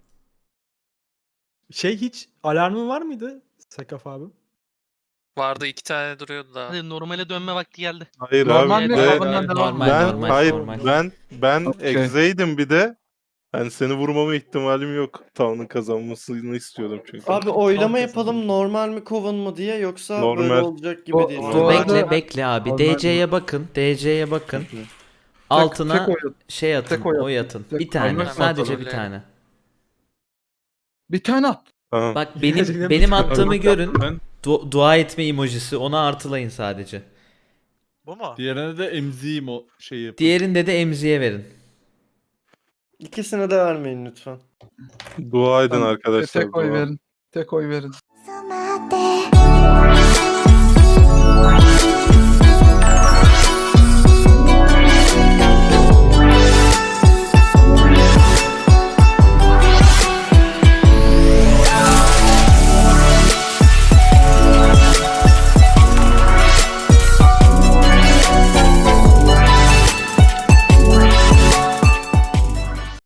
[SPEAKER 4] Şey hiç alarmın var mıydı Sekaf abi?
[SPEAKER 6] Vardı iki tane duruyordu daha.
[SPEAKER 1] Hadi normale dönme vakti geldi.
[SPEAKER 9] Hayır
[SPEAKER 5] Normal
[SPEAKER 9] abi.
[SPEAKER 5] mi?
[SPEAKER 9] Ve
[SPEAKER 5] Coven'dan devam mı?
[SPEAKER 2] normal,
[SPEAKER 9] ben
[SPEAKER 2] normal,
[SPEAKER 9] hayır
[SPEAKER 2] normal.
[SPEAKER 9] ben ben
[SPEAKER 5] Okey.
[SPEAKER 9] egzeydim bir de. Ben seni vurmama ihtimalim yok. Town'un kazanmasını istiyordum çünkü.
[SPEAKER 7] Abi oylama
[SPEAKER 4] Tam
[SPEAKER 7] yapalım normal mi Coven mı diye yoksa
[SPEAKER 9] Normal.
[SPEAKER 7] böyle olacak gibi
[SPEAKER 5] O-
[SPEAKER 7] değil.
[SPEAKER 5] o
[SPEAKER 2] Dur
[SPEAKER 5] arada-
[SPEAKER 2] bekle bekle abi.
[SPEAKER 5] Normal
[SPEAKER 2] D C'ye bakın. D C'ye bakın. Altına
[SPEAKER 5] tek oy-
[SPEAKER 2] şey atın.
[SPEAKER 5] tek oy
[SPEAKER 2] Oy
[SPEAKER 5] atın.
[SPEAKER 2] atın.
[SPEAKER 5] Tek
[SPEAKER 2] Bir tane.
[SPEAKER 5] normal
[SPEAKER 2] Sadece bir
[SPEAKER 6] kontrol
[SPEAKER 2] tane.
[SPEAKER 5] Bir tane at.
[SPEAKER 9] Tamam.
[SPEAKER 2] Bak
[SPEAKER 4] Gerçekten
[SPEAKER 2] benim
[SPEAKER 4] bir
[SPEAKER 2] benim
[SPEAKER 4] tane.
[SPEAKER 2] attığımı görün.
[SPEAKER 9] Ben
[SPEAKER 2] Du- dua etme emojisi. Ona artılayın sadece.
[SPEAKER 10] Bu mu?
[SPEAKER 8] Diğerine de emziyim o şeyi.
[SPEAKER 2] Diğerinde de emziye verin.
[SPEAKER 7] İkisine de vermeyin lütfen.
[SPEAKER 9] dua edin
[SPEAKER 5] Tamam,
[SPEAKER 9] arkadaşlar.
[SPEAKER 5] Tek oy
[SPEAKER 9] dua.
[SPEAKER 5] verin. Tek oy verin.